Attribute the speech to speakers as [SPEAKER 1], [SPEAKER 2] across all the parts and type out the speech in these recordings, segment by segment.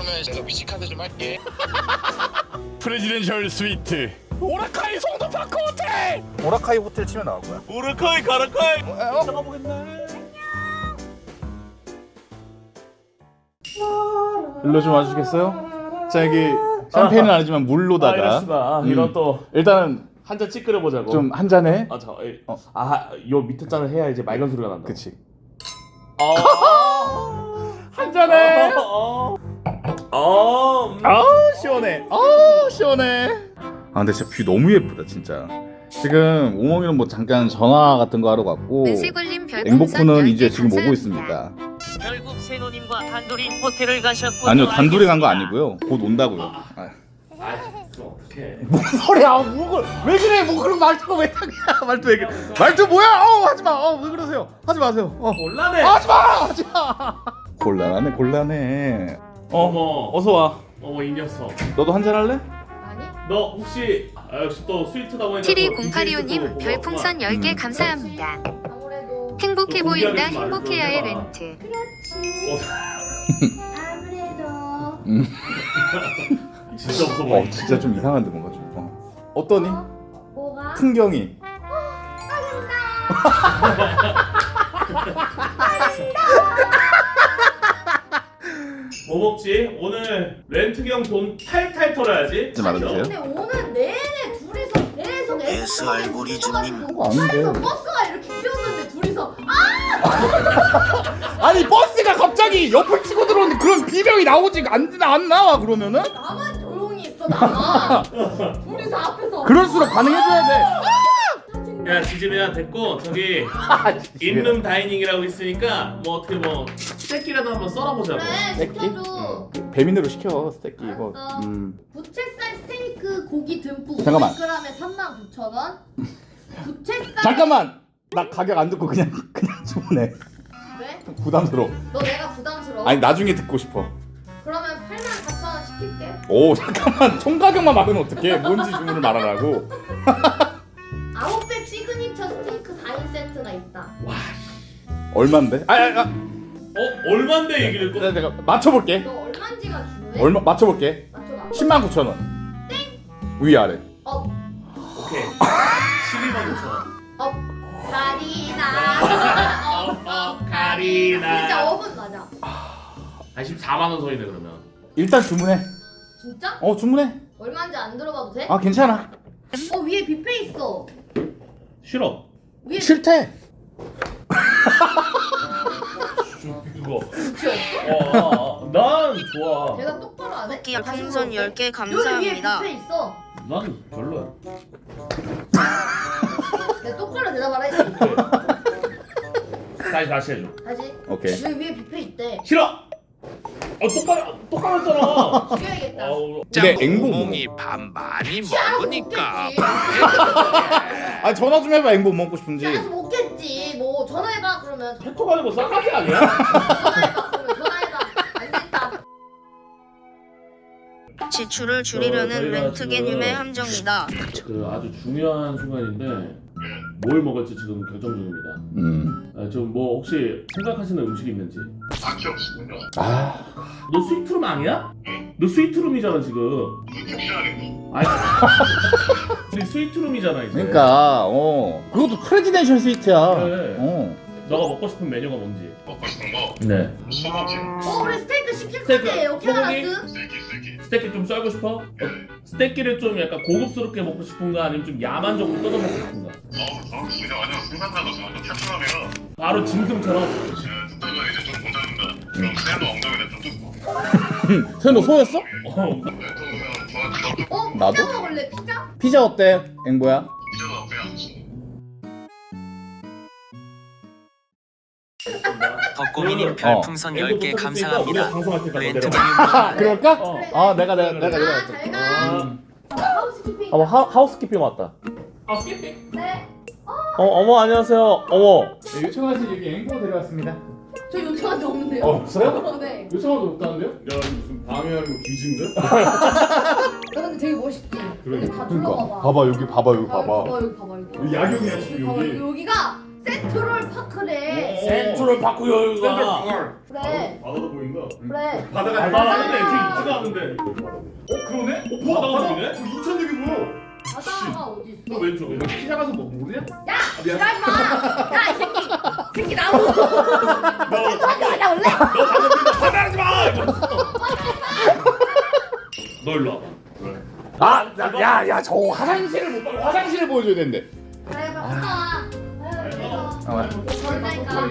[SPEAKER 1] 그러면 제가 위치카드 좀 할게.
[SPEAKER 2] 프레지덴셜 스위트 오라카이 송도파크 호텔.
[SPEAKER 3] 오라카이 호텔 치면 나올 거야.
[SPEAKER 2] 오라카이 가라카이. 들어가 보겠네. 일로 좀 와주시겠어요? 자 여기 샴페인은 아니지만 물로다가.
[SPEAKER 4] 알겠습니다. 이런 또
[SPEAKER 2] 일단은
[SPEAKER 4] 한 잔 찌끄려 보자고.
[SPEAKER 2] 좀 한 잔에.
[SPEAKER 4] 요 밑에 잔을 해야 이제 맑은 소리가 난다.
[SPEAKER 2] 그치.
[SPEAKER 4] 한 잔에.
[SPEAKER 2] 시원해. 시원해. 근데 진짜 뷰 너무 예쁘다 진짜. 지금 오몽이는 뭐 잠깐 전화 같은 거 하러 갔고 앵보쿠는 이제 지금 오고 있습니다.
[SPEAKER 5] 결국 세노님과 단둘이 호텔을 가셨고.
[SPEAKER 2] 아니요 단둘이 간 거 아니고요. 곧 온다고요.
[SPEAKER 4] 어떡해.
[SPEAKER 2] 뭔 소리야? 목을 왜 그래? 뭐 그런 말투가 왜 타냐? 말투 왜 그래? 말투 뭐야? 하지 마. 왜 그러세요? 하지 마세요.
[SPEAKER 4] 곤란해.
[SPEAKER 2] 하지 마. 하지 마. 곤란해.
[SPEAKER 4] 어머.
[SPEAKER 2] 어서 와.
[SPEAKER 4] 어머 이 녀석.
[SPEAKER 2] 너도 한잔 할래?
[SPEAKER 6] 아니?
[SPEAKER 4] 너 혹시 역시 또 스위트다 보니까.
[SPEAKER 7] 720825님 별풍선 10개 감사합니다.
[SPEAKER 6] 아무래도
[SPEAKER 7] 행복해
[SPEAKER 4] 또
[SPEAKER 7] 보인다
[SPEAKER 4] 공개하지 말고
[SPEAKER 7] 행복해야의
[SPEAKER 4] 해봐.
[SPEAKER 7] 멘트.
[SPEAKER 6] 아무래도
[SPEAKER 4] 진짜 없어 보여.
[SPEAKER 2] 진짜 좀 이상한데 뭔가 좀. 어떠니?
[SPEAKER 6] 뭐가?
[SPEAKER 2] 풍경이.
[SPEAKER 4] 뭐 먹지? 오늘 렌트경 돈 탈탈 털어야지.
[SPEAKER 2] 하지 말아주세요.
[SPEAKER 6] 근데 오늘 내내 둘이서 계속
[SPEAKER 1] S 알고리즘님.
[SPEAKER 2] 그거 아닌데.
[SPEAKER 6] 버스가 이렇게 뛰었는데 둘이서
[SPEAKER 2] 아니 버스가 갑자기 옆을 치고 들어오는데 그런 비명이 나오지 안 나와 그러면은?
[SPEAKER 6] 나만 조용히 있어 나만 둘이서 앞에서
[SPEAKER 2] 그럴수록 반응해줘야 돼.
[SPEAKER 4] 야 지지배야 됐고 저기 인룸 다이닝이라고 있으니까 뭐 어떻게 뭐 스테이키라도 한번 썰어보자고.
[SPEAKER 6] 그래 시켜줘
[SPEAKER 2] 배민으로 시켜 스테이키 이거.
[SPEAKER 6] 알았어. 부채살 스테이크 고기 듬뿍
[SPEAKER 2] 잠깐만.
[SPEAKER 6] 500g에 39,000원 부채살
[SPEAKER 2] 잠깐만. 나 가격 안 듣고 그냥 주문해.
[SPEAKER 6] 왜?
[SPEAKER 2] 부담스러워.
[SPEAKER 6] 너 내가 부담스러워?
[SPEAKER 2] 아니 나중에 듣고 싶어.
[SPEAKER 6] 그러면 84,000원 시킬게
[SPEAKER 2] 오 잠깐만 총 가격만 말하면 어떡해? 뭔지 주문을 말하라고.
[SPEAKER 6] 아웃백 시그니처 스테이크 4인 세트가 있다.
[SPEAKER 2] 얼마인데?
[SPEAKER 4] 얼마인데 얘기를 꼭.
[SPEAKER 2] 내가 맞춰볼게.
[SPEAKER 6] 너 얼마인지가 중요해?
[SPEAKER 2] 얼마 맞춰볼게.
[SPEAKER 6] 맞춰봐.
[SPEAKER 2] 109,000원. 위아래.
[SPEAKER 4] 오케이. 12만 5천 원.
[SPEAKER 6] 가리나.
[SPEAKER 4] 가리나.
[SPEAKER 6] 진짜 어분 맞아.
[SPEAKER 4] 한 14만 원 소리네 그러면.
[SPEAKER 2] 일단 주문해.
[SPEAKER 6] 진짜?
[SPEAKER 2] 주문해.
[SPEAKER 6] 얼마인지 안 들어봐도 돼?
[SPEAKER 2] 괜찮아.
[SPEAKER 6] 위에 뷔페 있어.
[SPEAKER 4] 싫어.
[SPEAKER 6] 위에
[SPEAKER 2] 싫대.
[SPEAKER 4] 그거. 난 좋아.
[SPEAKER 6] 내가 똑바로 안 해?
[SPEAKER 7] 토끼 풍선 10개
[SPEAKER 6] 여기 위에
[SPEAKER 7] 감사합니다.
[SPEAKER 6] 뷔페 있어.
[SPEAKER 4] 난 별로야.
[SPEAKER 6] 내가 똑바로 대답을 했지.
[SPEAKER 4] 다시 해줘.
[SPEAKER 6] 다시.
[SPEAKER 2] 오케이.
[SPEAKER 6] 여기 위에 뷔페 있대.
[SPEAKER 4] 싫어. 똑바로 했잖아.
[SPEAKER 6] 죽여야겠다.
[SPEAKER 2] 근데 앵보 뭐?
[SPEAKER 1] 밥 많이
[SPEAKER 6] 먹으니까.
[SPEAKER 2] 전화 좀 해봐 앵보 먹고 싶은지.
[SPEAKER 6] 짜서 먹겠지. 뭐 전화해봐 그러면.
[SPEAKER 4] 페토 가는 거 싸가지 아니야?
[SPEAKER 6] 전화해봐 그러면 전화해봐. 안 됐다.
[SPEAKER 7] 지출을 줄이려는
[SPEAKER 4] 저희가
[SPEAKER 7] 렌트
[SPEAKER 4] 지금-
[SPEAKER 7] 개념의 함정이다.
[SPEAKER 4] 그 아주 중요한 순간인데 뭘 먹을지 지금 결정 중입니다. 좀 뭐 혹시 생각하시는 음식이 있는지.
[SPEAKER 8] 딱히 없습니다.
[SPEAKER 4] 너 스위트룸 아니야? 너 스위트룸이잖아 지금.
[SPEAKER 8] 섹시하네.
[SPEAKER 4] 아니. 우리 스위트룸이잖아 이제.
[SPEAKER 2] 그러니까 그것도 프레지덴셜 스위트야.
[SPEAKER 4] 그래. 너가 먹고 싶은 메뉴가 뭔지.
[SPEAKER 8] 먹고 싶은 거
[SPEAKER 4] 네.
[SPEAKER 8] 소고기.
[SPEAKER 6] 우리 스테이크 시킬
[SPEAKER 4] 스테이크,
[SPEAKER 6] 건데
[SPEAKER 4] 소고기?
[SPEAKER 6] 오케하라스?
[SPEAKER 8] 스테이키.
[SPEAKER 4] 스테이크 좀 썰고 싶어? 스테이키를 좀 약간 고급스럽게 먹고 싶은가 아니면 좀 야만적으로 뜯어 먹고 싶은가?
[SPEAKER 8] 그냥 완전 생산자로서 완전 탈출하네요.
[SPEAKER 4] 바로 짐승처럼.
[SPEAKER 8] 듣다가 이제 좀 못하는다. 그럼 셀로 엉덩이를 좀 뜯고.
[SPEAKER 2] 쟤 너 소였어?
[SPEAKER 4] 어.
[SPEAKER 8] 또 그냥 좋아.
[SPEAKER 2] 나도?
[SPEAKER 6] 피자 먹을래 피자?
[SPEAKER 2] 피자 어때 앵보야?
[SPEAKER 8] 피자도 그냥
[SPEAKER 5] 덕고미님 별풍선 10개 감사합니다.
[SPEAKER 4] 방송할 때까지
[SPEAKER 5] 렌트
[SPEAKER 4] 내려가.
[SPEAKER 2] 그럴까? 내가
[SPEAKER 6] 잘가. 하우스키핑.
[SPEAKER 4] 하우스키핑 왔다. 하우스키핑?
[SPEAKER 6] 네.
[SPEAKER 4] 어머 안녕하세요. 어머.
[SPEAKER 2] 요청하신 여기 앵보 데려왔습니다.
[SPEAKER 6] 저 요청한 적 없는데요.
[SPEAKER 2] 없어요?
[SPEAKER 6] 네.
[SPEAKER 2] 요청하도 없다는데요?
[SPEAKER 4] 야 무슨 방해하는 거 뒤진데?
[SPEAKER 6] 야, 근데 되게 멋있지. 여기 다
[SPEAKER 2] 그러니까
[SPEAKER 6] 둘러봐봐.
[SPEAKER 2] 봐봐 여기 봐봐 여기
[SPEAKER 6] 봐봐
[SPEAKER 2] 봐봐.
[SPEAKER 6] 여기 봐봐 여기.
[SPEAKER 2] 여기 야경이야 지금
[SPEAKER 6] 봐봐
[SPEAKER 2] 여기.
[SPEAKER 6] 여기가 센트럴 파크래.
[SPEAKER 4] 센트럴 파크 여유가.
[SPEAKER 6] 그래.
[SPEAKER 8] 바다도 보인다.
[SPEAKER 6] 그래.
[SPEAKER 4] 바다가 있는데 있지가 않은데.
[SPEAKER 2] 그러네?
[SPEAKER 4] 바다가 보이네?
[SPEAKER 2] 인천 여기 뭐야?
[SPEAKER 6] 바다가 어디 있어?
[SPEAKER 4] 너 왼쪽에.
[SPEAKER 2] 피자 가서 뭐 모르냐?
[SPEAKER 6] 야, 지랄 마. 야, 이 새끼. 새끼 나오고. 센트럴한테 가자 원래.
[SPEAKER 4] 화내지 마. 너 일로 와봐.
[SPEAKER 2] 저 화장실을 보여줘야 되는데.
[SPEAKER 6] 그래, 봐. 그러니까.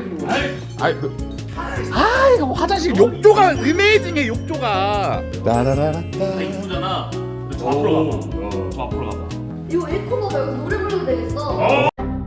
[SPEAKER 2] 이거 화장실 욕조가 어메이징해 욕조가.
[SPEAKER 4] 나 이쁘잖아. 저 앞으로 가봐. 저 앞으로 가봐.
[SPEAKER 6] 이거 에코노가 여기 노래 부르면 되겠어.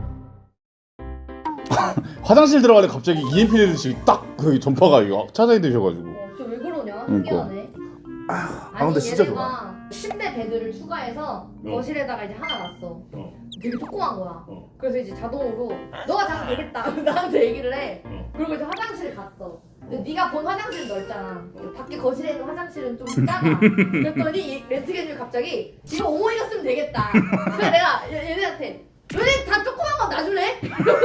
[SPEAKER 2] 화장실 들어가는데 갑자기 EMP 내듯이 딱 그 전파가 이거 차단이 되셔가지고.
[SPEAKER 6] 진짜 왜 그러냐?
[SPEAKER 2] 그러니까.
[SPEAKER 6] 신기하네.
[SPEAKER 2] 근데 진짜
[SPEAKER 6] 얘네가 침대 베드를 추가해서 거실에다가 이제 하나 놨어. 되게 조그만 거야. 그래서 이제 자동으로 너가 자면 되겠다 나한테 얘기를 해. 그리고 이제 화장실 갔어. 근데 네가 본 화장실은 넓잖아. 밖에 거실에 있는 화장실은 좀 작아. 그랬더니 이 렌트겐이 갑자기 이거 오모이가 쓰면 되겠다. 그래서 내가 얘네한테 너네 다 조그만 거 놔줄래?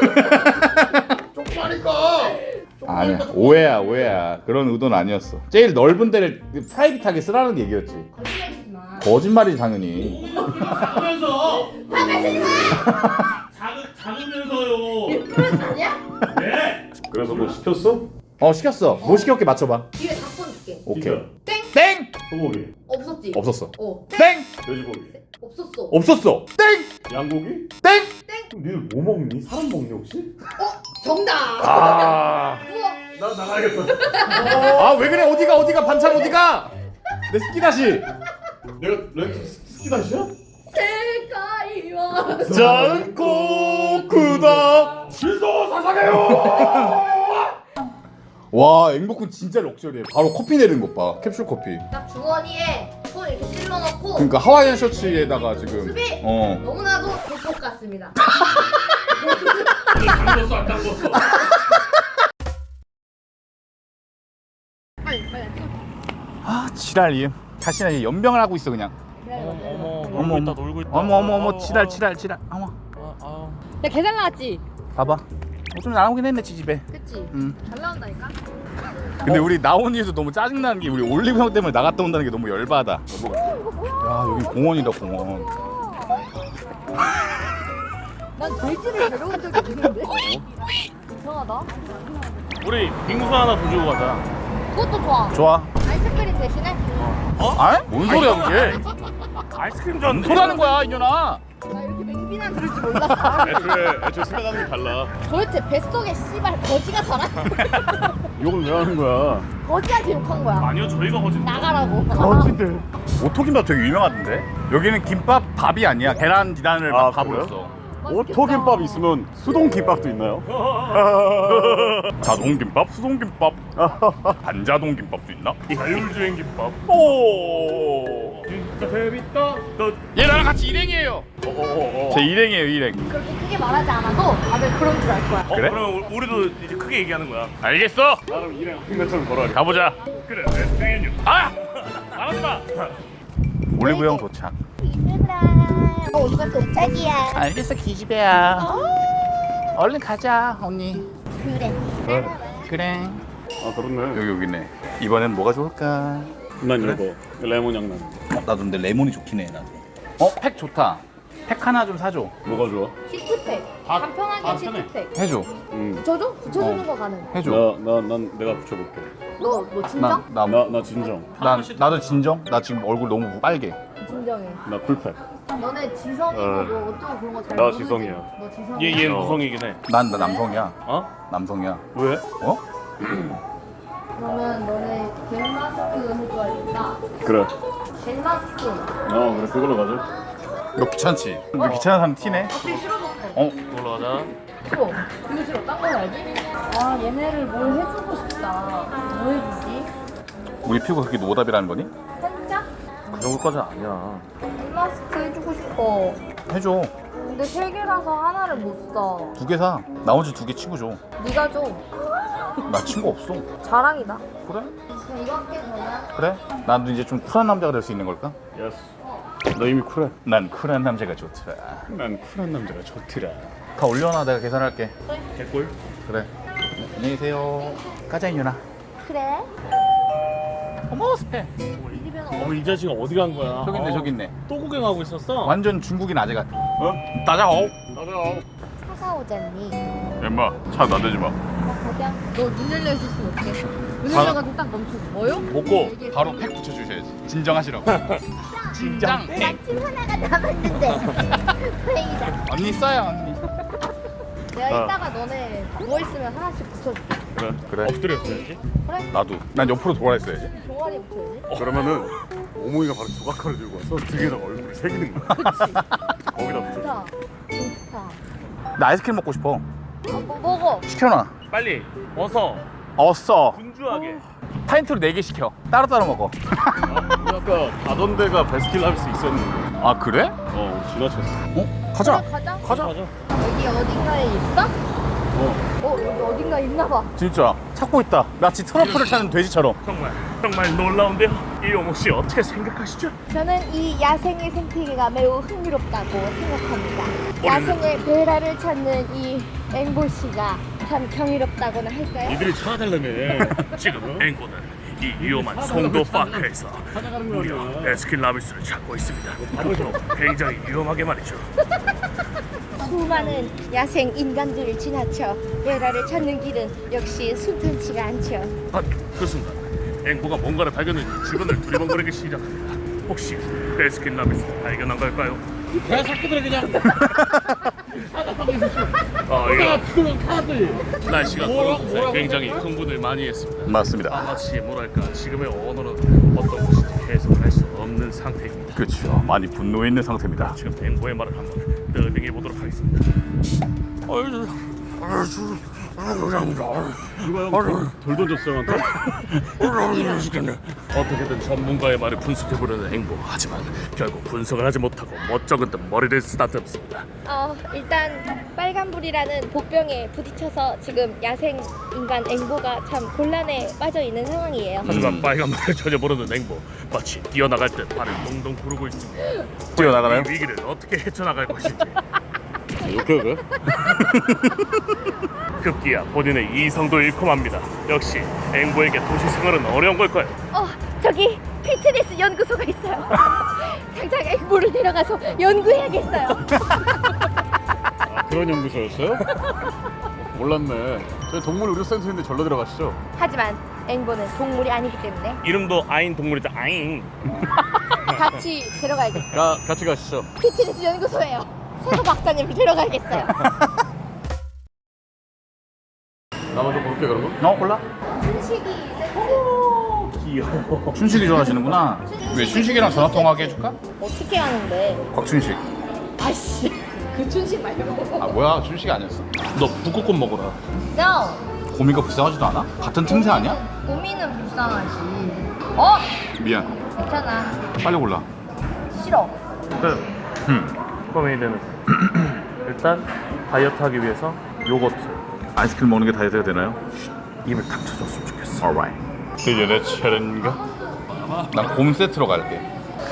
[SPEAKER 2] 아니야 오해야 그런 의도는 아니었어. 제일 넓은 데를 프라이빗하게 쓰라는 얘기였지.
[SPEAKER 6] 거짓말이지 마.
[SPEAKER 2] 거짓말이지 당연히.
[SPEAKER 4] 작으면서.
[SPEAKER 6] 담배 쓰지 마!
[SPEAKER 4] 작으면서요.
[SPEAKER 6] 그런 아니야?
[SPEAKER 4] 네.
[SPEAKER 8] 그래서 뭐 시켰어?
[SPEAKER 2] 시켰어. 뭐 시켰게 맞춰봐.
[SPEAKER 6] 기회 4번 줄게.
[SPEAKER 2] 오케이.
[SPEAKER 6] 땡!
[SPEAKER 2] 땡!
[SPEAKER 8] 소고기,
[SPEAKER 6] 없었지?
[SPEAKER 2] 없었어.
[SPEAKER 6] 땡!
[SPEAKER 2] 땡!
[SPEAKER 8] 돼지고기,
[SPEAKER 6] 없었어.
[SPEAKER 2] 없었어. 땡!
[SPEAKER 8] 양고기?
[SPEAKER 2] 땡!
[SPEAKER 8] 그럼 니들 뭐 먹니? 사람 먹니 혹시?
[SPEAKER 6] 정답!
[SPEAKER 2] 아.
[SPEAKER 6] 우와!
[SPEAKER 8] 난 나가야겠다.
[SPEAKER 2] 왜 그래? 어디가 반찬 어디가? 내 스키 다시.
[SPEAKER 8] 내가 렌트 스키다시야?
[SPEAKER 6] 세상이 와.
[SPEAKER 2] 작고 크다.
[SPEAKER 8] 실소 사상해요.
[SPEAKER 2] 와, 앵복군 진짜 럭셔리해. 바로 커피 내리는 것 봐. 캡슐 커피.
[SPEAKER 6] 딱 주머니에 손 이렇게 찔러 넣고
[SPEAKER 2] 그러니까 하와이안 셔츠에다가 지금.
[SPEAKER 6] 수비!
[SPEAKER 2] 어.
[SPEAKER 6] 너무나도 조폭 같습니다.
[SPEAKER 4] 담궜어 안 담궜어.
[SPEAKER 6] 빨리
[SPEAKER 2] 지랄 이음. 다시는 이제 연병을 하고 있어 그냥. 어머 놀고 있다. 어머 지랄. 어머.
[SPEAKER 6] 야 계단 나왔지?
[SPEAKER 2] 봐봐. 좀 나오긴 했네 지집에.
[SPEAKER 6] 그치?
[SPEAKER 2] 응.
[SPEAKER 6] 잘 나온다니까?
[SPEAKER 2] 근데 우리 나온 이유도 너무 짜증나는 게 우리 올리브 형 때문에 나갔다 온다는 게 너무 열받아. 야 여기 공원이다 공원.
[SPEAKER 6] 난 돼지를 데려온 적이 없는데? 이상하다.
[SPEAKER 4] 우리 빙수 하나 더 주고 가자.
[SPEAKER 6] 그것도 좋아.
[SPEAKER 2] 좋아.
[SPEAKER 6] 아이스크림 대신에?
[SPEAKER 2] 뭔 소리야 그게?
[SPEAKER 4] 아이스크림 전.
[SPEAKER 2] 뭔 소리 하는 거야 이년아?
[SPEAKER 6] 나 이렇게 맹비난 들을 줄 몰랐어.
[SPEAKER 8] 애초에 생각하는 게 달라.
[SPEAKER 6] 도대체 뱃속에 씨발 거지가 살아?
[SPEAKER 8] 욕을 왜 하는 거야?
[SPEAKER 6] 거지한테 욕한 거야.
[SPEAKER 4] 아니요 저희가 거짓.
[SPEAKER 6] 나가라고.
[SPEAKER 8] 거지들.
[SPEAKER 2] 오토김밥 되게 유명하던데? 여기는 김밥 밥이 아니야. 계란 디단을 막
[SPEAKER 8] 아,
[SPEAKER 2] 밥으로
[SPEAKER 8] 그래요?
[SPEAKER 2] 써.
[SPEAKER 8] 오토김밥 있으면 수동김밥도 있나요?
[SPEAKER 2] 자동김밥, 수동김밥, 반자동김밥도 있나?
[SPEAKER 4] 자율주행 김밥.
[SPEAKER 2] 오.
[SPEAKER 4] 진짜 재밌다.
[SPEAKER 2] 얘 나랑 같이 일행이에요. 제 일행이에요 일행.
[SPEAKER 6] 그렇게 크게 말하지 않아도 다들 그런 줄 알 거야.
[SPEAKER 2] 그래?
[SPEAKER 4] 그럼 우리도 이제 크게 얘기하는 거야.
[SPEAKER 2] 알겠어.
[SPEAKER 8] 나름 일행 한 것처럼 걸어야겠다.
[SPEAKER 2] 가보자.
[SPEAKER 4] 그래. 땡이냐. 말하지 마.
[SPEAKER 2] 올리브영 도착.
[SPEAKER 6] 오빠 도착이야.
[SPEAKER 2] 알겠어 기집애야. 얼른 가자 언니. 그래.
[SPEAKER 8] 아 그렇네.
[SPEAKER 2] 여기네. 이번엔 뭐가 좋을까?
[SPEAKER 8] 난 이거 레몬 향 나는.
[SPEAKER 2] 나도 근데 레몬이 좋긴 해 나도. 팩 좋다. 팩 하나 좀 사줘.
[SPEAKER 8] 뭐가 좋아?
[SPEAKER 6] 시트팩.
[SPEAKER 2] 다
[SPEAKER 6] 간편하게
[SPEAKER 2] 편해.
[SPEAKER 6] 시트팩.
[SPEAKER 2] 해줘.
[SPEAKER 6] 붙여줘? 붙여주는 거 가능.
[SPEAKER 2] 해줘.
[SPEAKER 8] 난 내가 붙여볼게.
[SPEAKER 6] 너 진정?
[SPEAKER 8] 나 진정.
[SPEAKER 2] 나도 진정. 나 지금 얼굴 너무 빨개.
[SPEAKER 6] 진정해.
[SPEAKER 8] 나 풀팩.
[SPEAKER 6] 너네 지성이고 뭐 어쩌고 그런 거 잘
[SPEAKER 8] 나
[SPEAKER 6] 모르지?
[SPEAKER 8] 지성이야.
[SPEAKER 6] 너 지성이야?
[SPEAKER 4] 얘 무성이긴 해.
[SPEAKER 2] 나 남성이야.
[SPEAKER 4] 어?
[SPEAKER 2] 남성이야.
[SPEAKER 8] 왜?
[SPEAKER 2] 어?
[SPEAKER 6] 그러면 너네 젤 마스크 해줘야겠다.
[SPEAKER 8] 그래.
[SPEAKER 6] 젤 마스크.
[SPEAKER 8] 그래 그걸로 가자.
[SPEAKER 2] 너 귀찮지? 너 귀찮은 사람 티네?
[SPEAKER 6] 갑자기 싫어졌어.
[SPEAKER 4] 올라가자.
[SPEAKER 6] 싫어. 이거 싫어. 딴 거 해야지. 아 얘네를 뭘 해주고 싶다. 뭐 해주지?
[SPEAKER 2] 우리 피부가 그렇게 노답이라는 거니?
[SPEAKER 6] 살짝?
[SPEAKER 4] 그 정도까지 아니야.
[SPEAKER 6] 젤 마스크 해주고 싶어.
[SPEAKER 2] 해줘.
[SPEAKER 6] 근데 3개라서 하나를 못 사.
[SPEAKER 2] 2개 사. 나머지 2개 친구 줘.
[SPEAKER 6] 네가 줘.
[SPEAKER 2] 나 친구 없어.
[SPEAKER 6] 자랑이다.
[SPEAKER 2] 그래?
[SPEAKER 6] 그럼 이거 할게 그러면.
[SPEAKER 2] 그래? 나도 이제 좀 쿨한 남자가 될 수 있는 걸까?
[SPEAKER 8] 예스. 너 이미 쿨해.
[SPEAKER 2] 난 쿨한 남자가 좋더라.
[SPEAKER 8] 난 쿨한 남자가 좋더라.
[SPEAKER 2] 다 올려놔. 내가 계산할게.
[SPEAKER 4] 개꿀.
[SPEAKER 2] 그래. 안녕히 계세요. 까자이 누나.
[SPEAKER 6] 그래?
[SPEAKER 2] 어머 스페.
[SPEAKER 4] 어머 이 자식은 어디 간 거야?
[SPEAKER 2] 저기 있네, 저기 있네.
[SPEAKER 4] 또 구경하고 있었어?
[SPEAKER 2] 완전 중국인 아재 같아. 어? 따자오.
[SPEAKER 6] 차가 오잖니.
[SPEAKER 2] 엠마, 차 나대지 마.
[SPEAKER 6] 가자. 너 눈 열려 있었으면 어떡해? 눈 열려가지고 딱 멈추고. 뭐요?
[SPEAKER 2] 먹고 바로 팩 붙여주셔야지. 진정하시라고. 진정.
[SPEAKER 6] 침 하나가 남았는데. 다행이다.
[SPEAKER 2] 언니 써요, 언니.
[SPEAKER 6] 내가 이따가 너네 누워있으면 하나씩 붙여줄게.
[SPEAKER 2] 그래.
[SPEAKER 4] 엎드렸어야지.
[SPEAKER 2] 나도. 난 옆으로 돌아 있어야지.
[SPEAKER 6] 종아리 붙여야지.
[SPEAKER 3] 그러면은 오모이가 바로 조각칼을 들고 와서 등에다가 얼굴을 새기는 거야.
[SPEAKER 6] 그치.
[SPEAKER 3] 거기다 붙여.
[SPEAKER 6] 좋다. 좋다.
[SPEAKER 2] 나 아이스크림 먹고 싶어.
[SPEAKER 6] 뭐 먹어.
[SPEAKER 2] 시켜놔.
[SPEAKER 4] 빨리 어서
[SPEAKER 2] 어써.
[SPEAKER 4] 분주하게.
[SPEAKER 2] 파인트로 4개 시켜. 따로따로 먹어.
[SPEAKER 3] 우리 아까 가던 데가 베스킨라빈스 있었는데.
[SPEAKER 2] 아 그래?
[SPEAKER 3] 지나쳤어.
[SPEAKER 2] 어? 가자.
[SPEAKER 6] 그래, 가자.
[SPEAKER 2] 가자.
[SPEAKER 6] 여기 어딘가에 있어? 여기 어딘가에 있나봐.
[SPEAKER 2] 진짜 찾고 있다. 마치 트러플을 찾는 돼지처럼.
[SPEAKER 4] 정말 놀라운데요. 이용호 씨 어떻게 생각하시죠?
[SPEAKER 6] 저는 이 야생의 생태계가 매우 흥미롭다고 생각합니다. 야생의 베라를 찾는 이 앵보 씨가 참 경이롭다고나 할까요?
[SPEAKER 4] 이들이 찾아달라며. 지금 앵고는 이 위험한 송도 파크에서 무려 베스킨라빈스를 찾고 있습니다. 그것도 굉장히 위험하게 말이죠.
[SPEAKER 6] 수많은 야생 인간들을 지나쳐 베라를 찾는 길은 역시 순탄치가 않죠.
[SPEAKER 4] 그 순간 앵보가 뭔가를 발견해 주변을 두리번거리기 시작합니다. 혹시 베스킨라빈스 발견한 걸까요?
[SPEAKER 9] 야 새끼들 그냥
[SPEAKER 4] 날씨가 더운 곳에 굉장히 흥분을 많이 했습니다.
[SPEAKER 2] 맞습니다.
[SPEAKER 4] 마치 뭐랄까 지금의 언어는 어떤 것인지 해석을 할 수 없는 상태입니다.
[SPEAKER 2] 그렇죠. 많이 분노해 있는 상태입니다.
[SPEAKER 4] 지금 앵보의 말을 한번 더빙해 보도록 하겠습니다.
[SPEAKER 3] 누가 돌 던졌어 한테?
[SPEAKER 4] 어떻게든 전문가의 말을 분석해보려는 앵보. 하지만 결국 분석을 하지 못하고 멋쩍은 듯 머리를 쓰다듬습니다.
[SPEAKER 6] 일단 빨간불이라는 복병에 부딪혀서 지금 야생 인간 앵보가 참 곤란에 빠져 있는 상황이에요.
[SPEAKER 4] 하지만 빨간불을 전혀 모르는 앵보. 마치 뛰어나갈 듯 발을 동동 구르고 있습니다.
[SPEAKER 2] 뛰어나가나요?
[SPEAKER 4] 이 위기를 어떻게 헤쳐나갈 것인지.
[SPEAKER 3] 이렇게 돼?
[SPEAKER 4] 급기야 본인의 이성도 잃고 맙니다. 역시 앵보에게 도시 생활은 어려운 걸까요?
[SPEAKER 6] 저기 피트니스 연구소가 있어요. 당장 앵보를 데려가서 연구해야겠어요.
[SPEAKER 3] 그런 연구소였어요? 몰랐네. 저희 동물 의료센터인데 절로 들어가시죠.
[SPEAKER 6] 하지만 앵보는 동물이 아니기 때문에
[SPEAKER 4] 이름도 아인 동물이죠. 아인.
[SPEAKER 6] 같이 데려가야겠어요.
[SPEAKER 3] 같이 가시죠.
[SPEAKER 6] 피트니스 연구소예요. 세호 박사님을 데려가야겠어요.
[SPEAKER 3] 나 먼저 볼게 그런 거.
[SPEAKER 2] 골라.
[SPEAKER 6] 춘식이 세트.
[SPEAKER 4] 귀여워.
[SPEAKER 2] 춘식이 좋아하시는구나. 왜 춘식이랑 전화 통화하게 해줄까?
[SPEAKER 6] 어떻게 하는데?
[SPEAKER 2] 곽춘식.
[SPEAKER 6] 아씨, 그 춘식 말고.
[SPEAKER 2] 아 뭐야? 춘식이 아니었어?
[SPEAKER 4] 너 북극곰 먹어라.
[SPEAKER 6] No.
[SPEAKER 2] 고미가 불쌍하지도 않아? 같은 틈새 아니야?
[SPEAKER 6] 고민은 불쌍하지.
[SPEAKER 2] 미안.
[SPEAKER 6] 괜찮아.
[SPEAKER 2] 빨리 골라.
[SPEAKER 6] 싫어.
[SPEAKER 4] 코메이드는 일단 다이어트하기 위해서 요거트.
[SPEAKER 2] 아이스크림 먹는 게 다이어트가 되나요?
[SPEAKER 4] 입을 탁 쳐줬으면 좋겠어.
[SPEAKER 2] Alright.
[SPEAKER 3] 이제 내 차례인가?
[SPEAKER 2] 난 곰 세트로 갈게.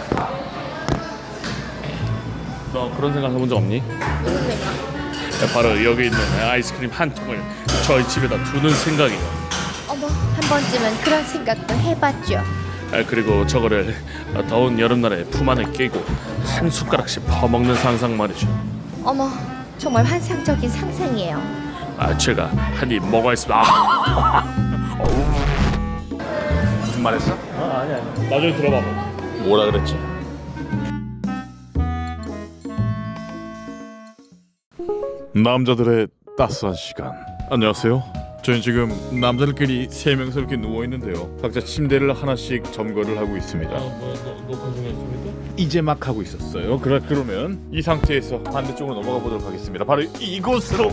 [SPEAKER 4] 너 그런 생각 해본 적 없니?
[SPEAKER 6] 무슨 생각?
[SPEAKER 4] 바로 여기 있는 아이스크림 한 통을 저희 집에다 두는 생각이에요.
[SPEAKER 6] 어머, 한 번쯤은 그런 생각도 해봤죠.
[SPEAKER 4] 그리고 저거를 더운 여름날에 품 안에 끼고 한 숟가락씩 퍼먹는 상상 말이죠.
[SPEAKER 6] 어머, 정말 환상적인 상상이에요.
[SPEAKER 4] 제가 한 입 먹어야겠습니다.
[SPEAKER 2] 무슨 말 했어?
[SPEAKER 4] 아니야. 나중에 들어봐봐.
[SPEAKER 2] 뭐라 그랬지?
[SPEAKER 3] 남자들의 따스한 시간. 안녕하세요. 저는 지금 남자들끼리 3명서 이렇게 누워있는데요. 각자 침대를 하나씩 점거를 하고 있습니다.
[SPEAKER 4] 녹화 중이었습니까?
[SPEAKER 3] 이제 막 하고 있었어요. 그러면 이 상태에서 반대쪽으로 넘어가 보도록 하겠습니다. 바로 이곳으로.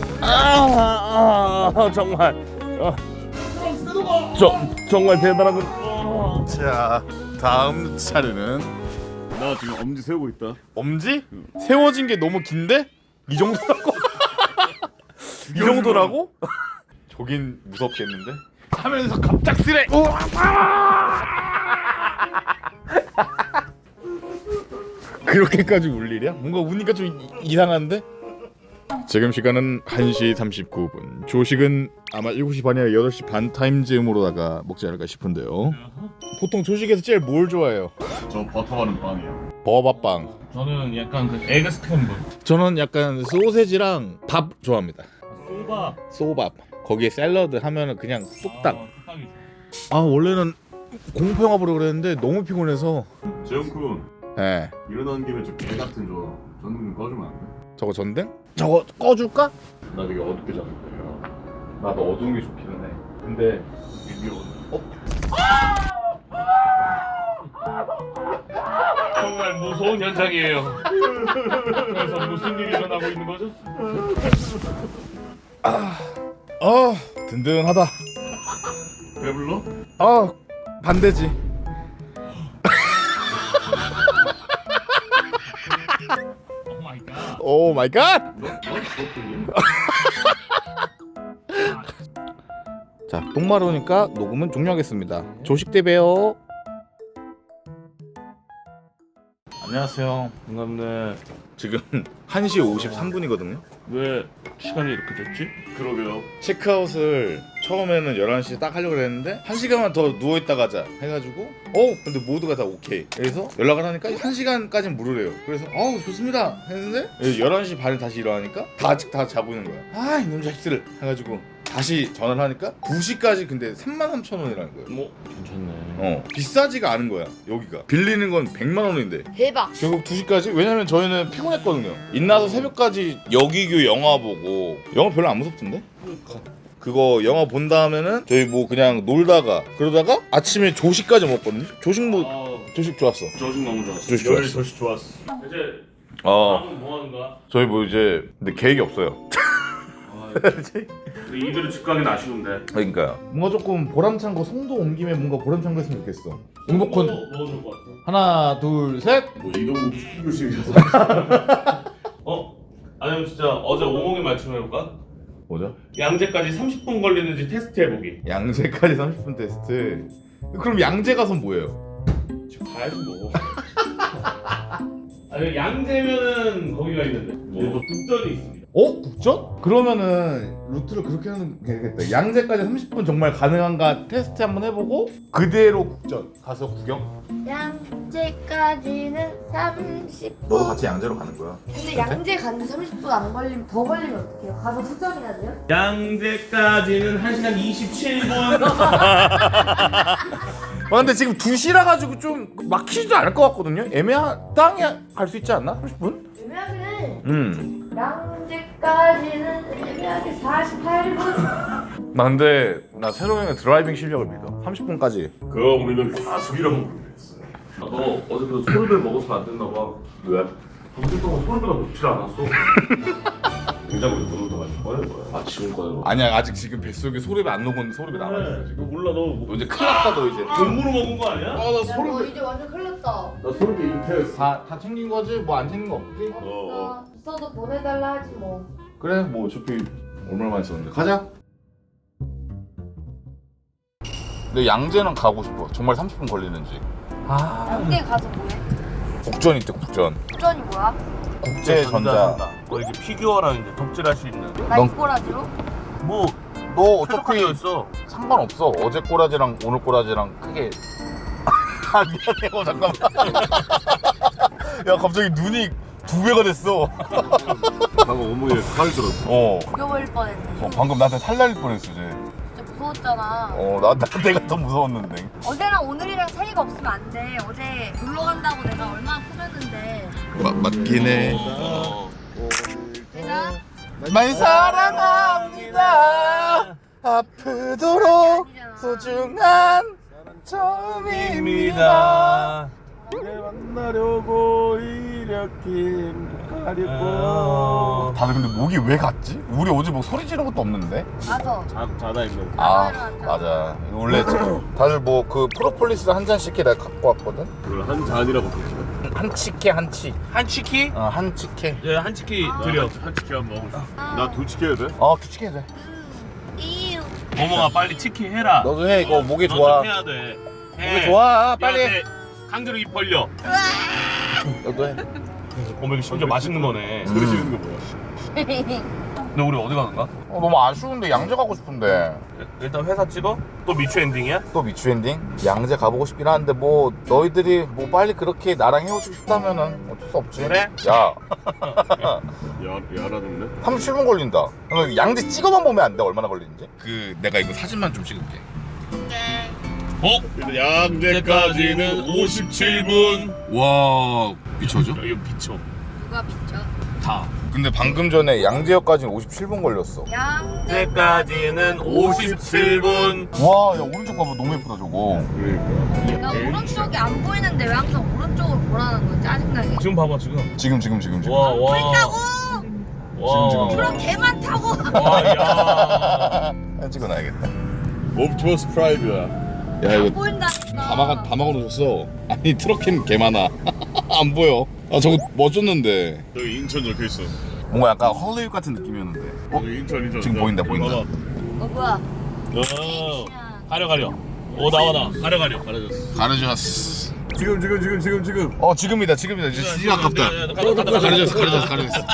[SPEAKER 4] 정말. 정말 대단하군.
[SPEAKER 3] 자, 다음 차례는 나 지금 엄지 세우고 있다.
[SPEAKER 2] 엄지? 세워진 게 너무 긴데? 이 정도라고? 이 정도라고?
[SPEAKER 3] 저긴 무섭겠는데?
[SPEAKER 2] 하면서 갑작스레.
[SPEAKER 3] 그렇게까지 울 일이야? 뭔가 우니까 좀 이상한데? 지금 시간은 1시 39분. 조식은 아마 7시 반이나 8시 반 타임즈음으로다가 먹지 않을까 싶은데요. 보통 조식에서 제일 뭘 좋아해요?
[SPEAKER 8] 저 버터 바른 빵이요.
[SPEAKER 3] 버밥빵.
[SPEAKER 4] 저는 약간 그 에그 스크램블.
[SPEAKER 3] 저는 약간 소세지랑 밥 좋아합니다.
[SPEAKER 4] 소밥.
[SPEAKER 3] 소밥. 거기에 샐러드 하면은 그냥 뚝딱.
[SPEAKER 4] 뚝딱이지.
[SPEAKER 3] 아 원래는 공포 영화 보려고 그랬는데 너무 피곤해서.
[SPEAKER 8] 재훈군
[SPEAKER 3] 네.
[SPEAKER 8] 일어나는 김에 저 개 같은 저 전등 꺼주면 안 돼?
[SPEAKER 3] 저거 전등? 저거 꺼줄까?
[SPEAKER 8] 나 되게 어둡게 자는데요.
[SPEAKER 3] 나도 어두운 게 좋기는 해. 근데
[SPEAKER 4] 정말 무서운 현장이에요. 그래서 무슨 일이 일어나고 있는 거죠?
[SPEAKER 3] 든든하다.
[SPEAKER 8] 배불러?
[SPEAKER 3] 반대지.
[SPEAKER 4] 오 마이 갓.
[SPEAKER 3] 오 마이 갓. 자, 똥 마르니까 녹음은 종료하겠습니다. 조식 때 봬요. 안녕하세요.
[SPEAKER 4] 반갑네.
[SPEAKER 3] 지금 1시 53분이거든요.
[SPEAKER 4] 왜 시간이 이렇게 됐지?
[SPEAKER 8] 그러게요.
[SPEAKER 3] 체크아웃을 처음에는 11시 딱 하려고 했는데 1시간만 더 누워있다 가자 해가지고 근데 모두가 다 오케이. 그래서 연락을 하니까 1시간까지는 무료래요. 그래서 좋습니다 했는데 11시 반에 다시 일어나니까 아직 다 자고 있는 거야. 이놈 자식들 해가지고 다시 전화를 하니까 2시까지 근데 33,000원이라는 거예요.
[SPEAKER 4] 뭐 괜찮네.
[SPEAKER 3] 비싸지가 않은 거야. 여기가 빌리는 건 100만 원인데
[SPEAKER 6] 대박.
[SPEAKER 3] 결국 2시까지? 왜냐면 저희는 피곤했거든요. 인나서 새벽까지 여기규 영화 보고 영화 별로 안 무섭던데? 그거 영화 본 다음에는 저희 뭐 그냥 놀다가 그러다가 아침에 조식까지 먹었거든요. 조식 좋았어.
[SPEAKER 4] 조식 너무 좋았어.
[SPEAKER 3] 조식 좋았어.
[SPEAKER 8] 조식 좋았어.
[SPEAKER 4] 이제
[SPEAKER 3] 어
[SPEAKER 4] 뭐 하는 거야?
[SPEAKER 3] 저희 뭐 이제 근데 계획이 없어요.
[SPEAKER 4] 이들은 집 가긴 아쉬운데.
[SPEAKER 3] 그러니까요. 뭔가 조금 보람찬 거 송도 온 김에 뭔가 보람찬 거 했으면 좋겠어. 행복한
[SPEAKER 4] 뭐 좋을 것 같아?
[SPEAKER 3] 하나 둘 셋.
[SPEAKER 8] 뭐 이동국 축구교실이라서.
[SPEAKER 4] 아니면 진짜 어제 오목에 맞춤해볼까?
[SPEAKER 3] 뭐죠?
[SPEAKER 4] 양재까지 30분 걸리는지 테스트 해보기.
[SPEAKER 3] 양재까지 30분 테스트. 그럼 양재 가선 뭐예요?
[SPEAKER 4] 집 가야지 뭐. 아니 양재면은 거기가 있는데 뭐 북전이 있습니다.
[SPEAKER 3] 북전? 그러면은 루트를 그렇게 하는 게 되겠다. 양재까지 30분 정말 가능한가 테스트 한번 해보고 그대로 국전 가서 구경.
[SPEAKER 6] 양재까지는 30분.
[SPEAKER 3] 너도 같이 양재로 가는 거야.
[SPEAKER 6] 근데 양재 가는데 30분 안 걸리면 더 걸리면 어떡해요? 가서 후전해야 돼요?
[SPEAKER 4] 양재까지는 1시간 27분.
[SPEAKER 3] 근데 지금 2시라 가지고 좀 막히지도 않을 것 같거든요. 애매하당에 갈 수 있지 않나? 30분?
[SPEAKER 6] 애매하긴 해. 양재까지는 애매하게 48분.
[SPEAKER 3] 나 근데 나 새로 형의 드라이빙 실력을 믿어. 30분까지.
[SPEAKER 8] 그거 우리는 과속이라고 부르겠어.
[SPEAKER 4] 너 어제 그 소리를 먹어서 안 됐나 봐.
[SPEAKER 8] 왜?
[SPEAKER 4] 방송 동안 소리가 먹질 않았어.
[SPEAKER 8] 냉장고에 물을 넣어가지고 꺼낼 거야.
[SPEAKER 4] 지금 꺼내로.
[SPEAKER 3] 아니야 아직 지금 뱃속에 소리가 안 녹은 소리가 남아있어 지금.
[SPEAKER 4] 몰라 너
[SPEAKER 3] 너 이제 큰일 났다 너 이제.
[SPEAKER 4] 돈으로 먹은 거 아니야?
[SPEAKER 3] 나
[SPEAKER 6] 야, 너 이제 완전 큰일 났다.
[SPEAKER 8] 나 소름이 잉태했어.
[SPEAKER 3] 다 챙긴 거지? 뭐 안 챙긴 거 없지?
[SPEAKER 6] 있어도 보내달라 하지 뭐.
[SPEAKER 3] 그래 뭐 어차피 얼마나 있었는데 가자. 근데 양재는 가고 싶어. 정말 30분 걸리는지.
[SPEAKER 6] 양재 가서 뭐해?
[SPEAKER 3] 국전 있대 국전.
[SPEAKER 6] 후전이 뭐야?
[SPEAKER 3] 국제전자.
[SPEAKER 4] 뭐 이게 피규어랑 이제 덕질할 수 있는.
[SPEAKER 6] 나이꼬라지로?
[SPEAKER 4] 뭐
[SPEAKER 3] 너 어차피
[SPEAKER 4] 있어.
[SPEAKER 3] 상관없어. 어제 꼬라지랑 오늘 꼬라지랑 크게. 미안해. 잠깐만. 야 갑자기 눈이 2배가 됐어.
[SPEAKER 8] 방금 어머니의 칼 들었어.
[SPEAKER 6] 죽여버릴 뻔했네.
[SPEAKER 3] 방금 나한테 살날 뻔했어 이제.
[SPEAKER 6] 진짜 무서웠잖아.
[SPEAKER 3] 내가 더 무서웠는데.
[SPEAKER 6] 어제랑 오늘이랑 차이가 없으면 안 돼. 어제 놀러 간다고 내가 얼마나 꾸몄는데.
[SPEAKER 3] 맞긴 해.
[SPEAKER 6] 내가
[SPEAKER 3] 많이 사랑합니다. 아프도록 소중한 처음입니다.
[SPEAKER 8] 만나려고 이렇게 가려고.
[SPEAKER 3] 다들 근데 목이 왜 갔지? 우리 어제 뭐 소리 지른 것도 없는데?
[SPEAKER 6] 가서
[SPEAKER 8] 자다 있는.
[SPEAKER 3] 맞아. 원래 다들 뭐 그 프로폴리스 한 잔씩 내가 갖고 왔거든.
[SPEAKER 8] 그걸 한 잔이라고 부르지.
[SPEAKER 3] 한치케 한치.
[SPEAKER 4] 한치키?
[SPEAKER 3] 한치케.
[SPEAKER 4] 예, 한치키 드려.
[SPEAKER 8] 한 치킨 한번 먹고 싶어. 나 두 치킨 해야 돼?
[SPEAKER 3] 두치케 돼.
[SPEAKER 6] 이유.
[SPEAKER 4] 어머가 빨리 치킨 해라.
[SPEAKER 3] 너도 해. 이거 목이
[SPEAKER 4] 너
[SPEAKER 3] 좋아.
[SPEAKER 4] 좀 해야 돼.
[SPEAKER 3] 목이 좋아. 빨리 해.
[SPEAKER 4] 강제로 입 벌려.
[SPEAKER 3] 너도 해.
[SPEAKER 4] 어머 이거 심지어 맛있는 거네.
[SPEAKER 8] 소리 지르는 거 뭐야?
[SPEAKER 4] 근데 우리 어디 가는가?
[SPEAKER 2] 너무 아쉬운데 양재 가고 싶은데.
[SPEAKER 4] 일단 회사 찍어? 또 미추 엔딩이야?
[SPEAKER 2] 또 미추 엔딩? 양재 가보고 싶긴 한데 뭐 너희들이 뭐 빨리 그렇게 나랑 헤어지고 싶다면은 어쩔 수 없지.
[SPEAKER 4] 그래?
[SPEAKER 2] 야
[SPEAKER 8] 야라는데?
[SPEAKER 2] 37분 걸린다. 양재 찍어만 보면 안 돼? 얼마나 걸리는지? 그 내가 이거 사진만 좀 찍을게.
[SPEAKER 8] 양재까지는 57분.
[SPEAKER 2] 와 미쳐죠?
[SPEAKER 4] 이거 미쳐.
[SPEAKER 6] 누가 비춰?
[SPEAKER 4] 다.
[SPEAKER 2] 근데 방금 전에 양재역까지는 57분 걸렸어.
[SPEAKER 4] 양재까지는 57분.
[SPEAKER 2] 와, 야 오른쪽 봐봐 너무 예쁘다 저거.
[SPEAKER 6] 나 오른쪽이 안 보이는데 왜 항상 오른쪽으로 보라는 거야? 짜증나게.
[SPEAKER 4] 지금 봐봐 지금.
[SPEAKER 2] 지금.
[SPEAKER 4] 와 와.
[SPEAKER 6] 타고
[SPEAKER 2] 지금.
[SPEAKER 6] 그럼 개만 타고.
[SPEAKER 4] 와 야.
[SPEAKER 2] 찍어놔야겠다.
[SPEAKER 8] 옵티머스 프라이브야.
[SPEAKER 2] 야 이거
[SPEAKER 6] 보인다니까.
[SPEAKER 2] 다 막아놓으셨어. 아니 트럭캠 개 많아. 안 보여. 아 저거 멋졌는데.
[SPEAKER 8] 여기 인천 적혀있어.
[SPEAKER 2] 뭔가 약간 헐리우드 같은 느낌이었는데.
[SPEAKER 8] 여기 인천.
[SPEAKER 2] 지금 보인다.
[SPEAKER 6] 뭐야?
[SPEAKER 4] 가려. 오 나와. 가려졌어.
[SPEAKER 2] 가려졌어.
[SPEAKER 8] 지금.
[SPEAKER 2] 지금이다. 이제 진짜 아깝다. 가려졌어.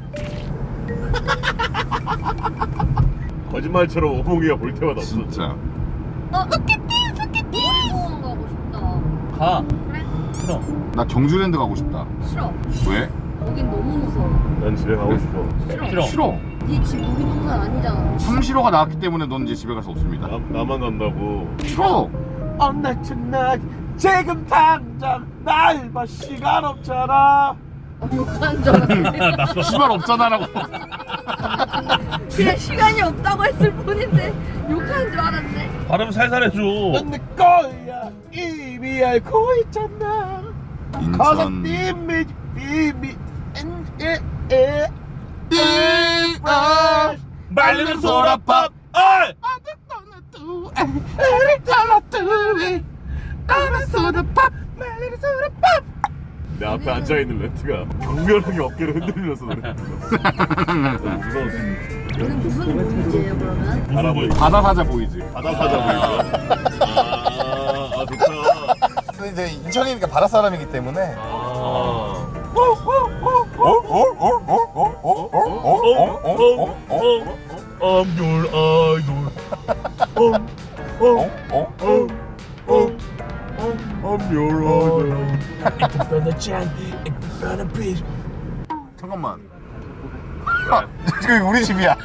[SPEAKER 8] 거짓말처럼 오봉이가 볼 때마다 없어.
[SPEAKER 2] 진짜.
[SPEAKER 6] 소개팅 놀이공원 가고 싶다.
[SPEAKER 4] 가.
[SPEAKER 6] 그래?
[SPEAKER 4] 싫어.
[SPEAKER 2] 나 경주랜드 가고 싶다.
[SPEAKER 6] 싫어.
[SPEAKER 2] 왜?
[SPEAKER 6] 거긴 너무 무서워.
[SPEAKER 8] 난 집에 가고 싶어.
[SPEAKER 2] 싫어.
[SPEAKER 6] 네 집 놀이동산 아니잖아.
[SPEAKER 2] 삼시로가 나왔기 때문에 넌 이제 집에 갈 수 없습니다.
[SPEAKER 8] 나만 간다고.
[SPEAKER 2] 싫어.
[SPEAKER 4] On night tonight. 지금 당장 날 봐 시간 없잖아.
[SPEAKER 6] 욕하는 줄 알았는데.
[SPEAKER 2] 시발 없잖아라고.
[SPEAKER 6] 그냥 시간이 없다고 했을 뿐인데 욕하는 줄 알았네.
[SPEAKER 4] 발음 살살 해줘. 내 거야 이미 알고 있잖아.
[SPEAKER 2] 인천.
[SPEAKER 4] 말리는 소라밥.
[SPEAKER 8] 내 앞에 앉아있는 렌트가 경멸하게 어깨를 흔들면서 그래. 무서웠어.
[SPEAKER 6] 오늘 무슨 보이지예요 그러면?
[SPEAKER 8] 바라보이.
[SPEAKER 2] 바다 사자 보이지.
[SPEAKER 8] 바다 사자 보이죠? 아 좋다.
[SPEAKER 2] 근데 이제 인천이니까 바다 사람이기 때문에.
[SPEAKER 4] I'm your idol.
[SPEAKER 8] I'm your idol.
[SPEAKER 2] 잠깐만. 저기 우리 집이야.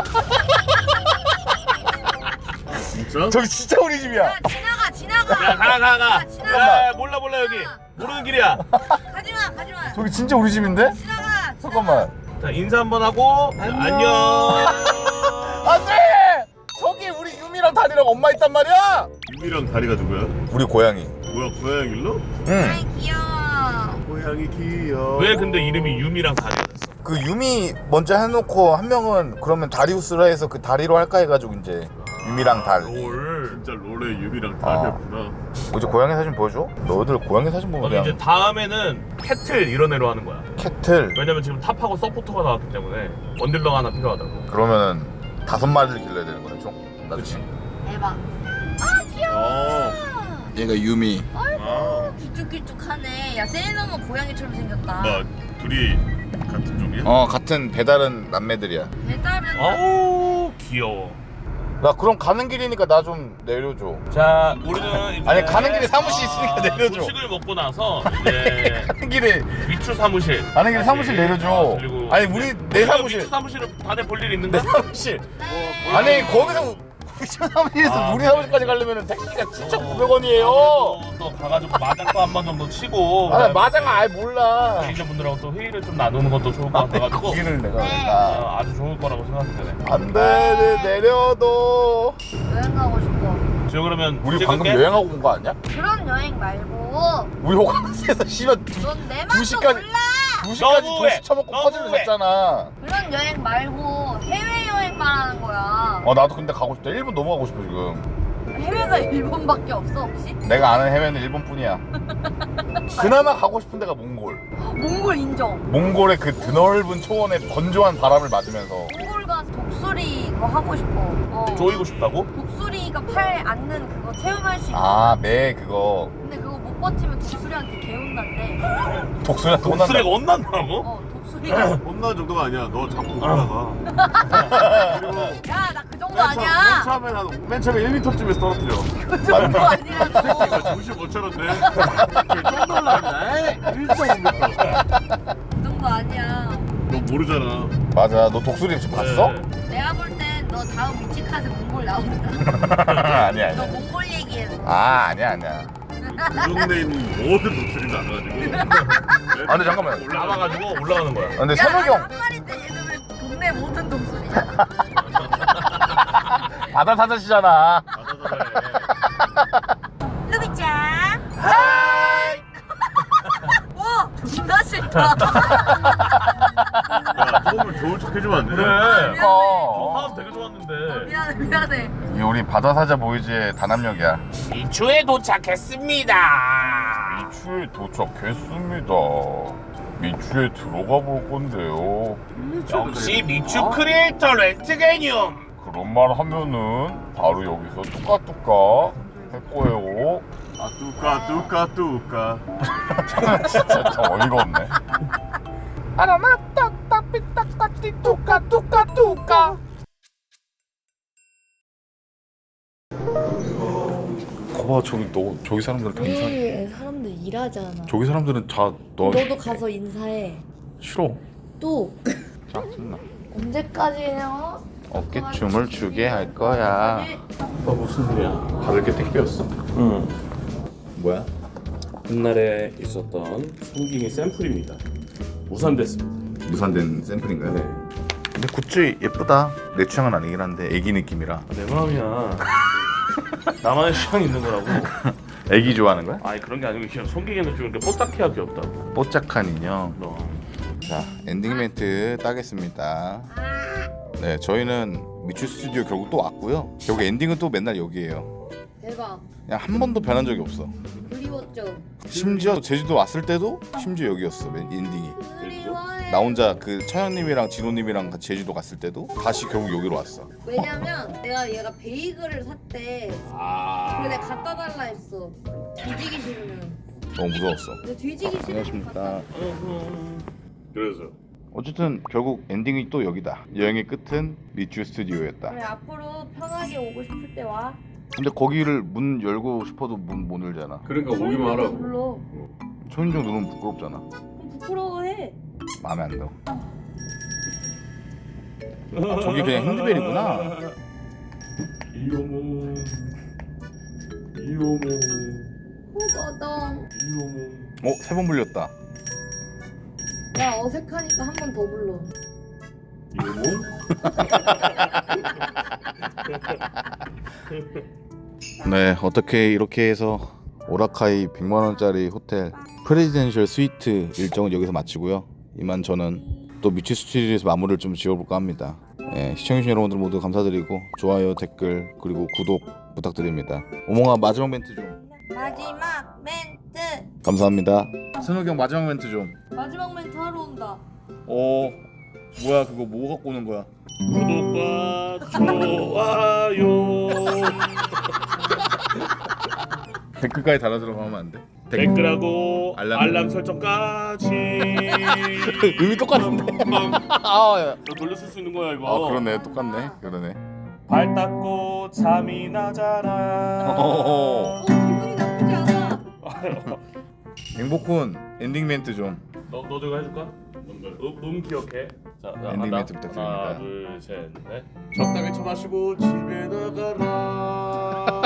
[SPEAKER 8] 진짜?
[SPEAKER 2] 저기 진짜 우리 집이야.
[SPEAKER 6] 야 지나가.
[SPEAKER 4] 야 가.
[SPEAKER 6] 지나가.
[SPEAKER 4] 야 몰라 여기. 모르는 길이야.
[SPEAKER 6] 가지마.
[SPEAKER 2] 저기 진짜 우리 집인데?
[SPEAKER 6] 지나가.
[SPEAKER 2] 잠깐만.
[SPEAKER 4] 자 인사 한번 하고 안녕.
[SPEAKER 2] 안돼. 저기 우리 유미랑 다리랑 엄마 있단 말이야.
[SPEAKER 8] 유미랑 다리가 누구야?
[SPEAKER 2] 우리 고양이.
[SPEAKER 8] 뭐야 고양이 일로?
[SPEAKER 2] 응.
[SPEAKER 6] 아이 귀여워.
[SPEAKER 8] 고양이 귀여워.
[SPEAKER 4] 왜 근데 이름이 유미랑 다리였어?
[SPEAKER 2] 그 유미 먼저 해놓고 한 명은 그러면 다리우스라 해서 그 다리로 할까 해가지고 이제 유미랑 달.
[SPEAKER 4] 롤.
[SPEAKER 8] 진짜 롤에 유미랑 다리였구나.
[SPEAKER 2] 이제 고양이 사진 보여줘? 너희들 고양이 사진 보면
[SPEAKER 4] 그럼
[SPEAKER 2] 그냥
[SPEAKER 4] 이제 다음에는 캐틀 이런 애로 하는 거야.
[SPEAKER 2] 캐틀.
[SPEAKER 4] 왜냐면 지금 탑하고 서포터가 나왔기 때문에 원딜러가 하나 필요하다고.
[SPEAKER 2] 그러면은 5마리를 길러야 되는 거네 총.
[SPEAKER 4] 그렇지.
[SPEAKER 6] 대박.
[SPEAKER 2] 얘가 유미.
[SPEAKER 8] 아,
[SPEAKER 6] 길쭉길쭉하네. 야 세일러문 고양이처럼 생겼다.
[SPEAKER 8] 뭐 둘이 같은 종이야?
[SPEAKER 2] 같은 배달은 남매들이야.
[SPEAKER 6] 배달은
[SPEAKER 4] 아우 귀여워.
[SPEAKER 2] 나 그럼 가는 길이니까 나 좀 내려줘.
[SPEAKER 4] 자 우리는 이제
[SPEAKER 2] 아니 가는 길에 사무실 있으니까 내려줘.
[SPEAKER 4] 음식을 먹고 나서 이제
[SPEAKER 2] 가는 길에
[SPEAKER 4] 미추 사무실.
[SPEAKER 2] 가는 길에 사무실 내려줘.
[SPEAKER 4] 그리고
[SPEAKER 2] 아니 우리 내 사무실.
[SPEAKER 4] 미추 사무실은 다들 볼 일
[SPEAKER 2] 내
[SPEAKER 4] 있는가?
[SPEAKER 2] 사무실. 아니 거기서 사무실에서 우리 사무실까지 가려면 택시가 7,900원이에요.
[SPEAKER 4] 또 가가지고 마장도 한 번 정도 치고.
[SPEAKER 2] 아 마장 아예 몰라.
[SPEAKER 4] 매니저분들하고 또 회의를 좀 나누는 것도 좋을 것 같아가지고.
[SPEAKER 2] 거기를 내가
[SPEAKER 4] 아주 좋을 거라고 생각되네.
[SPEAKER 2] 안돼 내려도.
[SPEAKER 6] 여행 가고 싶어.
[SPEAKER 4] 지금 그러면
[SPEAKER 2] 우리
[SPEAKER 4] 찍을게.
[SPEAKER 2] 방금 여행하고 온 거 아니야?
[SPEAKER 6] 그런 여행 말고
[SPEAKER 2] 우리 호캉스에서 씨발
[SPEAKER 6] 넌 내 맘도
[SPEAKER 2] 2시까지
[SPEAKER 6] 몰라.
[SPEAKER 2] 2시까지
[SPEAKER 4] 너무해.
[SPEAKER 2] 도시 쳐먹고 퍼즐을
[SPEAKER 4] 너무해.
[SPEAKER 2] 냈잖아.
[SPEAKER 6] 그런 여행 말고 해외 여행 말하는 거야.
[SPEAKER 2] 나도 근데 가고 싶다. 일본 너무 가고 싶어 지금.
[SPEAKER 6] 해외가 일본밖에 없어 혹시?
[SPEAKER 2] 내가 아는 해외는 일본뿐이야. 그나마 가고 싶은 데가 몽골.
[SPEAKER 6] 몽골 인정.
[SPEAKER 2] 몽골의 그 드넓은 초원에 건조한 바람을 맞으면서.
[SPEAKER 6] 몽골 가서 독수리 그거 하고 싶어.
[SPEAKER 4] 조이고 싶다고?
[SPEAKER 6] 독수리가 팔 앉는 그거 체험할 수 있어.
[SPEAKER 2] 매 그거.
[SPEAKER 6] 근데 그거 못 버티면 독수리한테 개운난데.
[SPEAKER 2] 독수리한테
[SPEAKER 4] 독수리가
[SPEAKER 2] 혼난다.
[SPEAKER 4] 혼난다고?
[SPEAKER 6] 독수리 소리야.
[SPEAKER 8] 혼나는 정도가 아니야. 너 자꾸 오다가.
[SPEAKER 6] 야, 나 그 정도
[SPEAKER 8] 맨
[SPEAKER 6] 아니야.
[SPEAKER 8] 처음에 맨 처음에 1m쯤에서 떨어뜨려.
[SPEAKER 6] 그 정도 아니라고.
[SPEAKER 8] 이거 정신 못 차렸네. 좀 놀랐네. 1.5m.
[SPEAKER 6] 그 정도 아니야.
[SPEAKER 8] 너 모르잖아.
[SPEAKER 3] 맞아. 너 독수리 지금 봤어?
[SPEAKER 6] 내가 볼 땐 너 다음 위치카드 몽골 나온다.
[SPEAKER 3] 아니야
[SPEAKER 6] 너
[SPEAKER 3] 아니야.
[SPEAKER 6] 몽골 얘기해.
[SPEAKER 3] 아니야.
[SPEAKER 8] 이 동네에 있는 모든 독수리 나가지고.
[SPEAKER 3] 아 근데 잠깐만.
[SPEAKER 8] 나와가지고 올라가는 거야.
[SPEAKER 3] 아, 근데
[SPEAKER 6] 야,
[SPEAKER 3] 선욱이
[SPEAKER 6] 나는
[SPEAKER 3] 형
[SPEAKER 6] 한 마리인데 얘는 왜 동네 모든 동물이야?
[SPEAKER 3] 바다 사자시잖아.
[SPEAKER 6] 루비짱. 와, 존나 싫다.
[SPEAKER 8] 야, 처음을 좋은 척 해주면 안 돼?
[SPEAKER 3] 그래.
[SPEAKER 8] 화음 되게 좋았는데.
[SPEAKER 6] 미안해.
[SPEAKER 3] 이 우리 바다 사자 보이즈의 단합력이야.
[SPEAKER 1] 미추에 도착했습니다.
[SPEAKER 3] 미추에 도착했습니다. 미추에 들어가 볼 건데요.
[SPEAKER 1] 역시 미추 크리에이터 렌트게늄.
[SPEAKER 3] 그런 말 하면은 바로 여기서 뚜까뚜까 할 거예요.
[SPEAKER 8] 아 뚜까.
[SPEAKER 3] 진짜 참 어이가 없네. 아라마따 따삐따까띠 뚜까. 거봐 저기 사람들은 다 인사해.
[SPEAKER 6] 내일 사람들 일하잖아.
[SPEAKER 3] 저기 사람들은 다 너
[SPEAKER 6] 너도 가서 인사해.
[SPEAKER 3] 싫어.
[SPEAKER 6] 또
[SPEAKER 3] 짜증나.
[SPEAKER 6] 언제까지냐?
[SPEAKER 3] 어깨춤을 추게 할 거야.
[SPEAKER 9] 너 무슨 일이야?
[SPEAKER 3] 다들 이렇게 택배였어?
[SPEAKER 9] 응.
[SPEAKER 3] 뭐야?
[SPEAKER 9] 옛날에 있었던 송깅이 샘플입니다. 무산됐습니다.
[SPEAKER 3] 무산된 샘플인가요?
[SPEAKER 9] 네.
[SPEAKER 3] 근데 굿즈 예쁘다. 내 취향은 아니긴 한데 애기 느낌이라.
[SPEAKER 9] 내 마음이야. 나만의 취향이 있는 거라고.
[SPEAKER 3] 애기 좋아하는 거야?
[SPEAKER 9] 아니 그런 게 아니고 그냥 송깅이는 좀 이렇게 뽀짝해야 귀엽다고.
[SPEAKER 3] 뽀짝한 인형.
[SPEAKER 9] 너.
[SPEAKER 3] 자 엔딩 멘트 따겠습니다. 네 저희는 미추 스튜디오 결국 또 왔고요. 결국 엔딩은 또 맨날 여기에요.
[SPEAKER 6] 대박.
[SPEAKER 3] 그냥 한 번도 변한 적이 없어.
[SPEAKER 6] 그리웠죠.
[SPEAKER 3] 심지어 제주도 왔을 때도 심지어 여기였어 엔딩이.
[SPEAKER 6] 그리워해.
[SPEAKER 3] 나 혼자 그 차현님이랑 진호님이랑 같이 제주도 갔을 때도 다시 결국 여기로 왔어.
[SPEAKER 6] 왜냐면 내가 얘가 베이글을 샀대. 그래 내가 갖다 달라 했어. 뒤지기 싫으면.
[SPEAKER 3] 너무 무서웠어.
[SPEAKER 6] 근데 뒤지기 싫으면.
[SPEAKER 3] 안녕하십니까.
[SPEAKER 8] 그래서
[SPEAKER 3] 어쨌든 결국 엔딩이 또 여기다. 여행의 끝은 미추 스튜디오였다.
[SPEAKER 6] 그래 앞으로 편하게 오고 싶을 때 와.
[SPEAKER 3] 근데 거기를 문 열고 싶어도 문 못 열잖아.
[SPEAKER 9] 그러니까 오기만 하라고.
[SPEAKER 6] 불러.
[SPEAKER 3] 초인종 누르면 부끄럽잖아.
[SPEAKER 6] 그럼 부끄러워해.
[SPEAKER 3] 마음에 안 들어. 아, 저게 그냥 핸드벨이구나.
[SPEAKER 9] 이오모.
[SPEAKER 6] 호거덩.
[SPEAKER 3] 세 번 불렸다.
[SPEAKER 6] 야 어색하니까 한 번 더 불러.
[SPEAKER 3] 네, 어떻게 이렇게 해서 오라카이 100만 원짜리 호텔 프레지덴셜 스위트 일정은 여기서 마치고요. 이만 저는 또 미추 스튜디오에서 마무리를 좀 지어볼까 합니다. 네, 시청해주신 여러분들 모두 감사드리고 좋아요, 댓글 그리고 구독 부탁드립니다. 오몽아 마지막 멘트 좀.
[SPEAKER 6] 마지막 멘트.
[SPEAKER 3] 감사합니다. 선욱이 형 마지막 멘트 좀.
[SPEAKER 6] 마지막 멘트 하러 온다.
[SPEAKER 3] 뭐야 그거 뭐 갖고 오는 거야?
[SPEAKER 9] 구독과 좋아요.
[SPEAKER 3] 댓글까지 달아들어 하면 안 돼?
[SPEAKER 9] 댓글하고
[SPEAKER 3] 알람
[SPEAKER 9] 설정까지.
[SPEAKER 3] 의미 똑같은데?
[SPEAKER 9] 너 돌려쓸 수 있는 거야 이거.
[SPEAKER 3] 아 그러네 똑같네 그러네.
[SPEAKER 9] 발 닦고 잠이 나잖아.
[SPEAKER 6] 기분이 나쁘지 않아.
[SPEAKER 3] 행복군 엔딩 멘트 좀.
[SPEAKER 9] 너 저거 해줄까? 기억해. 자,
[SPEAKER 3] 엔딩
[SPEAKER 9] 한다.
[SPEAKER 3] 멘트 부탁드립니다.
[SPEAKER 9] 하나, 둘, 셋, 넷.
[SPEAKER 8] 적당히 쳐마시고 집에 나가라.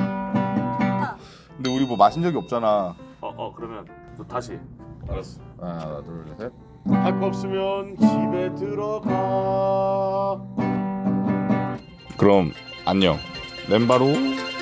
[SPEAKER 3] 근데 우리 뭐 마신 적이 없잖아.
[SPEAKER 9] 그러면 또 다시.
[SPEAKER 8] 알았어.
[SPEAKER 3] 하나 둘 셋.
[SPEAKER 8] 할 거 없으면 집에 들어가.
[SPEAKER 3] 그럼 안녕. 멤바로